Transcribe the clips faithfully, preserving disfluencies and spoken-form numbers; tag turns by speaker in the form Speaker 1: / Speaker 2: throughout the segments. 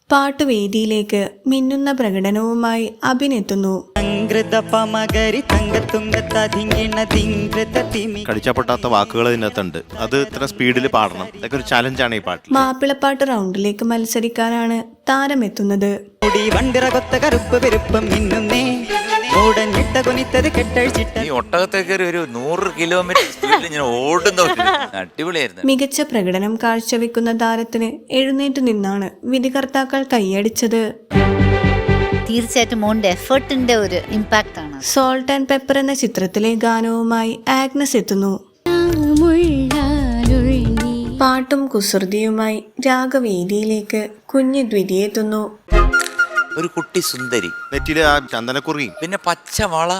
Speaker 1: പാട്ടുവേദിയിലേക്ക് മിന്നുന്ന പ്രകടനവുമായി അഭിനെത്തുന്നു.
Speaker 2: കടിച്ചപ്പൊട്ടാത്ത വാക്കുകൾ ഇതിനകത്തുണ്ട്. അത് ഇത്ര സ്പീഡിൽ പാടണം. ഇതൊക്കെ ഒരു ചലഞ്ചാണ് ഈ പാട്ട്.
Speaker 1: മാപ്പിളപ്പാട്ട് റൗണ്ടിലേക്ക് മത്സരിക്കാനാണ് താരമെത്തുന്നത്.
Speaker 3: ഈ ഒട്ടകത്തേക്ക് ഒരു നൂറ് കിലോമീറ്റർ സ്പീഡിൽ ഇങ്ങനെ ഓടുന്ന അടിപൊളിയായിരുന്നു.
Speaker 1: മികച്ച പ്രകടനം കാഴ്ചവെക്കുന്ന താരത്തിന് എഴുന്നേറ്റ് നിന്നാണ് വിധികർത്താക്കൾ കൈയടിച്ചത്.
Speaker 4: തീർച്ചയായിട്ടും മോന്റെ എഫേർട്ടിന്റെ ഒരു ഇമ്പാക്ട് ആണ്.
Speaker 1: സോൾട്ട് ആൻഡ് പെപ്പർ എന്ന ചിത്രത്തിലെ ഗാനവുമായി ആഗ്നസ് എത്തുന്നു. പാട്ടും കുസൃതിയുമായി രാഗവേദിയിലേക്ക് കുഞ്ഞു ദ്വിതി എത്തുന്നു.
Speaker 3: ഒരു കുട്ടി സുന്ദരി,
Speaker 2: നെറ്റിയിലെ ആ ചന്ദനക്കുറിയും
Speaker 3: പിന്നെ പച്ചവള.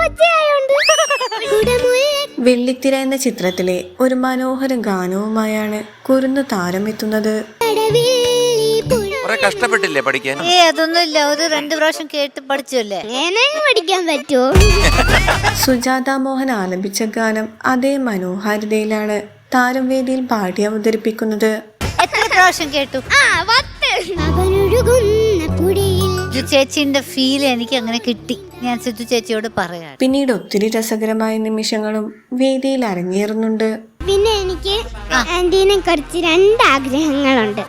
Speaker 1: വെള്ളിത്തിര എന്ന ചിത്രത്തിലെ ഒരു മനോഹര ഗാനവുമായാണ് കുരുന്നു താരമെത്തുന്നത്.
Speaker 3: കുറെ കഷ്ടപ്പെട്ടില്ലേ പഠിക്കാൻ?
Speaker 4: ഏ അതൊന്നുമില്ല, ഒരു രണ്ടു പ്രാവശ്യം കേട്ട് പഠിച്ചല്ലേ.
Speaker 5: പഠിക്കാൻ പറ്റുമോ?
Speaker 1: സുജാത മോഹൻ ആലപിച്ച ഗാനം അതേ മനോഹാരിതയിലാണ് താരം വേദിയിൽ പാടി അവതരിപ്പിക്കുന്നത്.
Speaker 4: എത്ര പ്രാവശ്യം കേട്ടു? ചേച്ചിന്റെ ഫീൽ എനിക്ക് അങ്ങനെ കിട്ടി. ഞാൻ സിദ്ധു ചേച്ചിയോട് പറയാം.
Speaker 1: പിന്നീട് ഒത്തിരി രസകരമായ നിമിഷങ്ങളും വേദിയിൽ അരങ്ങേറുന്നുണ്ട്.
Speaker 5: പിന്നെ എനിക്ക് ആന്റീനെ കുറിച്ച് രണ്ട് ആഗ്രഹങ്ങളുണ്ട്.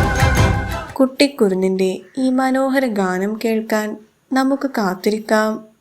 Speaker 1: കുട്ടിക്കുരുന്നിന്റെ ഈ മനോഹര ഗാനം കേൾക്കാൻ നമുക്ക് കാത്തിരിക്കാം.